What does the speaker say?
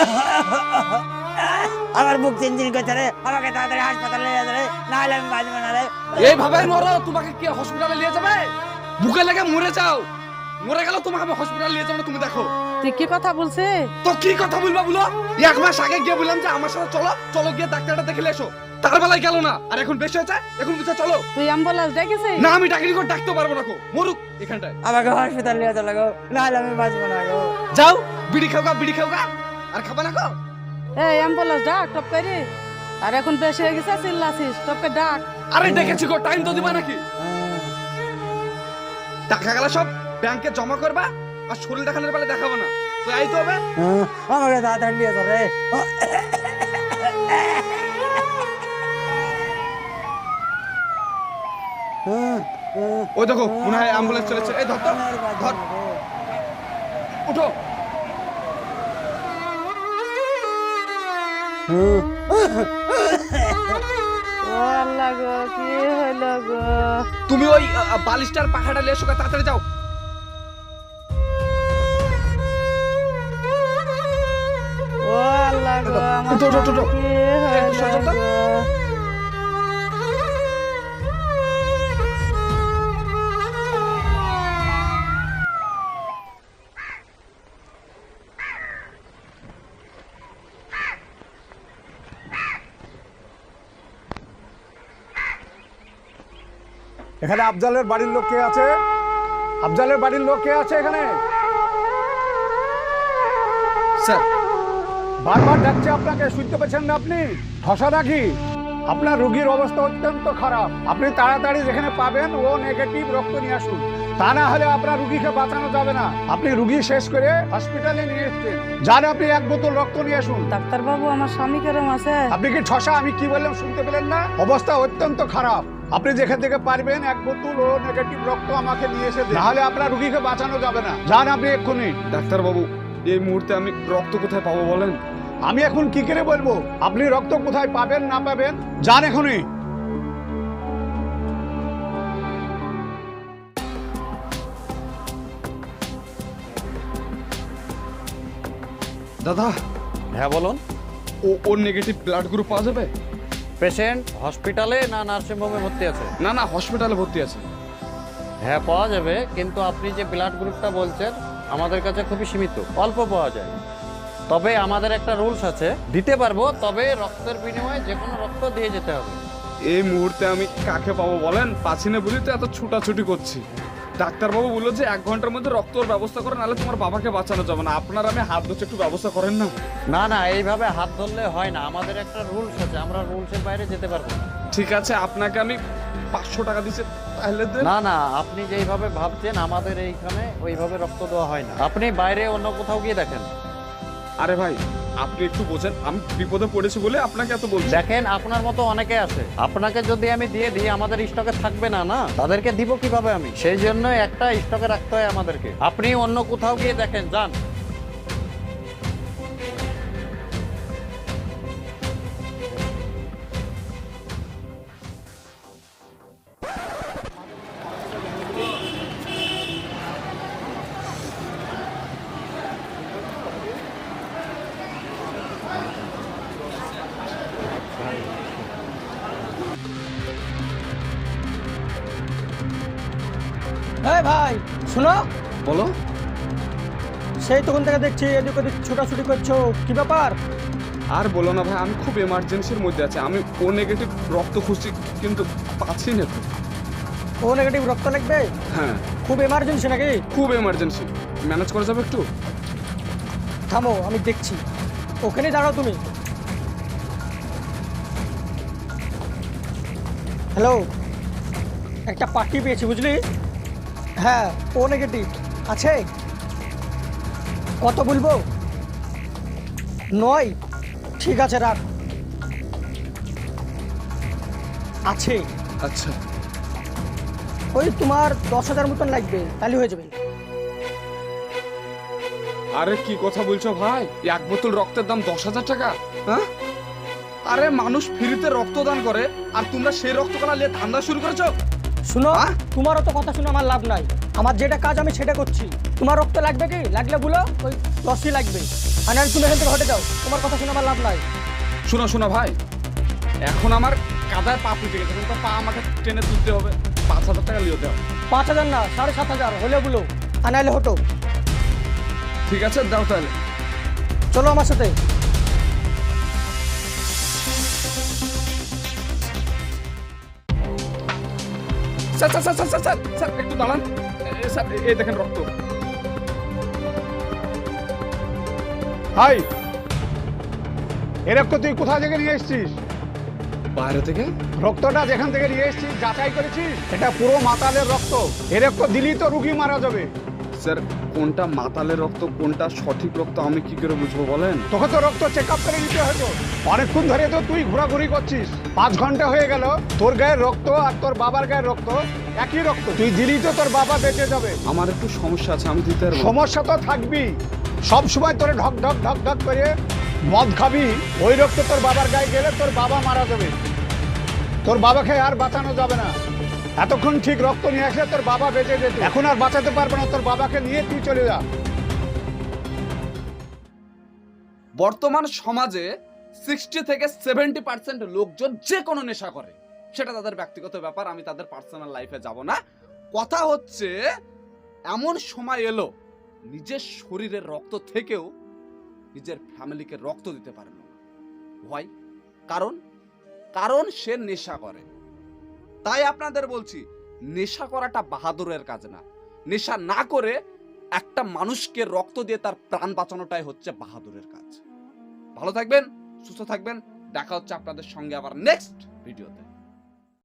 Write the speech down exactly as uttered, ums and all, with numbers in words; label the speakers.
Speaker 1: আমার বুক চিনচিন করছে রে, আমাকে তাড়াতাড়ি হাসপাতালে নিয়ে যাবে রে, না হলে আমি বাঁচব না রে।
Speaker 2: এইভাবে মরো, তোমাকে কে হসপিটালে নিয়ে যাবে? বুকে লেগে মরে যাও, মরে গেল তোমাকে আমি হসপিটালে নিয়ে যাবো না, তুমি দেখো।
Speaker 3: তুই কি কথা বলছে?
Speaker 2: তো কি কথা বলবা বলো? এক মাস আগে গিয়ে বললাম যে আমার সাথে চলো, চলো গিয়ে ডাক্তারটা দেখে এসো, তার বেলায় গেল না। আর এখন বেশি হয়েছে, এখন বুঝে চলো।
Speaker 3: তুই অ্যাম্বুলেন্স ডেকেছিস?
Speaker 2: না, আমি ডাক্তারি করে ডাকতে পারবো না, কো মরুক এখানটায়।
Speaker 1: আমাকে হসপিটালে নিয়ে চলো গো, না হলে আমি বাঁচব না গো।
Speaker 2: যাও, বিড়ি খাও গা, বিড়ি খাও গা, আর খাবা না গো।
Speaker 3: এই অ্যাম্বুলেন্স ডাক টপ করে। আর এখন বেশি হয়ে গেছে, চিল্লাছিস, টপকে ডাক।
Speaker 2: আরে ডেকেছি গো, টাইম তো দিবা নাকি? টাকা গেলা সব ব্যাংকে জমা করবা, আর শরীর দেখানোর বেলা দেখাবো না, তো এই তো হবে।
Speaker 1: আমাকে তাড়াতাড়ি নিয়ে চলো রে।
Speaker 2: ওই দেখো, মনে হয় অ্যাম্বুলেন্স চলেছে। এই ধর তো, ধর, উঠো।
Speaker 3: ও আল্লাহ গো, কি হলো গো?
Speaker 2: তুমি ওই আহ, বালিশটার পাখাটা নিয়ে এসো গা, তাড়াতাড়ি যাও।
Speaker 3: ও আল্লাহ গো, আমার
Speaker 2: উঠো, উঠো, উঠো।
Speaker 3: কি
Speaker 2: একটু সরে
Speaker 3: হলো
Speaker 2: যাও তো।
Speaker 3: গো?
Speaker 4: এখানে আফজালের বাড়ির লোক কে আছে? আফজালের বাড়ির লোক কে আছে এখানে?
Speaker 2: স্যার,
Speaker 4: বারবার ডাকছে আপনাকে, শুনতে পাচ্ছেন না আপনি? ঠসা নাকি? আপনার রোগীর অবস্থা অত্যন্ত খারাপ। আপনি তাড়াতাড়ি যেখানে পাবেন ও নেগেটিভ রক্ত নিয়ে আসুন, তা না হলে আপনার রুগীকে বাঁচানো যাবে না। আপনি রুগী শেষ করে হসপিটালে নিয়ে এসছেন, যান আপনি এক বোতল রক্ত নিয়ে আসুন।
Speaker 3: ডাক্তার বাবু, আমার স্বামী কেরম আছে?
Speaker 4: আপনি কি ঠসা? আমি কি বললাম শুনতে পেলেন না? অবস্থা অত্যন্ত খারাপ। আপনি যেখান থেকে পারবেন এক বোতল ও নেগেটিভ রক্ত আমাকে নিয়ে এসে দিন, না হলে আপনার রুগীকে বাঁচানো যাবে না। যান আপনি এক্ষুনি।
Speaker 2: ডাক্তার বাবু, এই মুহূর্তে আমি রক্ত কোথায় পাবো বলেন?
Speaker 4: আমি এখন কি করে বলবো আপনি রক্ত কোথায় পাবেন না পাবেন? যান এখনই।
Speaker 2: দাদা,
Speaker 5: হ্যাঁ বলুন।
Speaker 2: ও ওর নেগেটিভ ব্লাড গ্রুপ পাওয়া যাবে?
Speaker 5: পেশেন্ট হসপিটালে না নার্সিংহোমে ভর্তি আছে?
Speaker 2: না না, হসপিটালে ভর্তি আছে।
Speaker 5: হ্যাঁ পাওয়া যাবে, কিন্তু আপনি যে ব্লাড গ্রুপটা বলছেন আমাদের কাছে খুবই সীমিত, অল্প পাওয়া যায়। তবে আমাদের একটা রুলস আছে, দিতে পারবো, তবে রক্তের বিনিময়ে যে কোনো রক্ত দিয়ে যেতে হবে।
Speaker 2: এই মুহূর্তে আমি কাকে পাবো বলেন? পাচ্ছি না বলি তো এত ছুটাছুটি করছি। ডাক্তারবাবু বললো যে এক ঘন্টার মধ্যে রক্তর ব্যবস্থা করে, নাহলে তোমার বাবাকে বাঁচানো যাবে না। আপনার আমি হাত ধরছি, একটু ব্যবস্থা করেন না।
Speaker 5: না না, এইভাবে হাত ধরলে হয় না, আমাদের একটা রুলস আছে, আমরা রুলসের বাইরে যেতে পারবো না।
Speaker 2: ঠিক আছে, আপনাকে আমি পাঁচশো টাকা দিচ্ছি, তাহলে দেন।
Speaker 5: না না, আপনি যেইভাবে ভাবছেন আমাদের এইখানে ওইভাবে রক্ত দেওয়া হয় না, আপনি বাইরে অন্য কোথাও গিয়ে দেখেন।
Speaker 2: আরে ভাই, আপনি একটু বোঝেন, আমি বিপদে পড়েছি বলে আপনাকে এত বলছি।
Speaker 5: দেখেন, আপনার মতো অনেকে আছে, আপনাকে যদি আমি দিয়ে দিই আমাদের স্টকে থাকবে না, না তাদেরকে দিব কিভাবে আমি? সেই জন্য একটা স্টকে রাখতে হয় আমাদেরকে। আপনি অন্য কোথাও গিয়ে দেখেন, যান।
Speaker 1: এই ভাই শুনো,
Speaker 2: বলো।
Speaker 1: সেই তখন থেকে দেখছি এদিক ওদিক ছোটাছুটি করছো, কি ব্যাপার?
Speaker 2: আর বলো না ভাই, আমি খুব এমার্জেন্সির মধ্যে আছি। আমি ও নেগেটিভ রক্ত খুঁজছি, কিন্তু পাচ্ছি না তো।
Speaker 1: ও নেগেটিভ রক্ত লাগবে?
Speaker 2: হ্যাঁ,
Speaker 1: খুব এমার্জেন্সি নাকি?
Speaker 2: খুব এমার্জেন্সি। ম্যানেজ করা যাবে একটু?
Speaker 1: থামো, আমি দেখছি। ওখানেই দাঁড়াও তুমি। হ্যালো, একটা পার্টি পেয়েছি বুঝলি? হ্যাঁ, ও নেগেটিভ আছে। কত বলবো? নয়? ঠিক আছে, রাখ। আছে।
Speaker 2: আচ্ছা,
Speaker 1: ওই তোমার দশ হাজার মতন লাগবে, তাহলে হয়ে যাবে।
Speaker 2: আরে কি কথা বলছো ভাই? এক বোতল রক্তের দাম দশ হাজার টাকা? হ্যাঁ, আরে মানুষ ফ্রিতে রক্তদান করে, আর তোমরা সেই রক্ত কলা নিয়ে ধান্দা শুরু করেছো?
Speaker 1: শুনো,
Speaker 2: আহ?
Speaker 1: তোমারও তো কথা শুনে আমার লাভ নাই। আমার যেটা কাজ আমি সেটা করছি। তোমার রক্ত লাগবে কি? লাগলে বলো, ওই দশই লাগবে। আর নাহলে তুমি এখান থেকে হটে যাও, তোমার কথা শুনে আমার লাভ নাই।
Speaker 2: শোনো শোনো ভাই, এখন আমার কাদায় পা ফুটে গেছে, এখন তো পা আমাকে টেনে তুলতে হবে, পাঁচ হাজার টাকা লিও দেওয়া।
Speaker 1: পাঁচ হাজার না, সাড়ে সাত হাজার হলে বলো, আর নাহলে হটো।
Speaker 2: ঠিক আছে দাও তাহলে।
Speaker 1: চলো আমার সাথে।
Speaker 2: Sir sir sir sir sir sir sir একটু দাঁড়ান। এ, স্যার এই দেখেন রক্ত।
Speaker 4: হাই, এ রক্ত তুই কোথা থেকে নিয়ে এসেছিস?
Speaker 2: বাইরে থেকে।
Speaker 4: রক্তটা যেখান থেকে নিয়ে এসেছিস যাচাই করেছিস? এটা পুরো মাতালের রক্ত, এ রক্ত দিলেই তো রুগী মারা যাবে।
Speaker 2: স্যার কোনটা মাতালের রক্ত কোনটা সঠিক রক্ত আমি কি করে বুঝবো বলেন?
Speaker 4: তোকে তো রক্ত চেক আপ করে নিতে হতো, অনেকক্ষণ ধরে তো তুই ঘোরাঘুরি করছিস, পাঁচ ঘন্টা হয়ে গেল, তোর গায়ের রক্ত আর তোর বাবার গায়ের রক্ত একই রক্ত, তুই দিলেই তো তোর বাবা বেঁচে যাবে।
Speaker 2: আমার একটু সমস্যা আছে, আমি দিতে পারবো।
Speaker 4: সমস্যা তো থাকবি, সব সময় তোরে ঢক ঢক ঢক ঢক করে মদ খাবি, ওই রক্ত তোর বাবার গায়ে গেলে তোর বাবা মারা যাবে, তোর বাবাকে আর বাঁচানো যাবে না। এতক্ষণ ঠিক রক্ত নিয়ে আসলে তোর বাবা বেঁচে যেত, এখন আর বাঁচাতে পারবে না, তোর বাবাকে নিয়ে তুই চলে যা।
Speaker 2: বর্তমান সমাজে সিক্সটি থেকে সেভেন্টি পার্সেন্ট লোকজন যে কোনো নেশা করে, সেটা তাদের ব্যক্তিগত ব্যাপার, আমি তাদের পার্সোনাল লাইফে যাব না। কথা হচ্ছে এমন সময় এলো নিজের শরীরের রক্ত থেকেও নিজের ফ্যামিলিকে রক্ত দিতে পারে না। ভয়, কারণ কারণ সে নেশা করে। তাই আপনাদের বলছি, নেশা করাটা বাহাদুরের কাজ না। নেশা না করে একটা মানুষকে রক্ত দিয়ে তার প্রাণ বাঁচানোটাই হচ্ছে বাহাদুরের কাজ। ভালো থাকবেন, সুস্থ থাকবেন, দেখা হচ্ছে আপনাদের সঙ্গে আবার নেক্সট ভিডিওতে।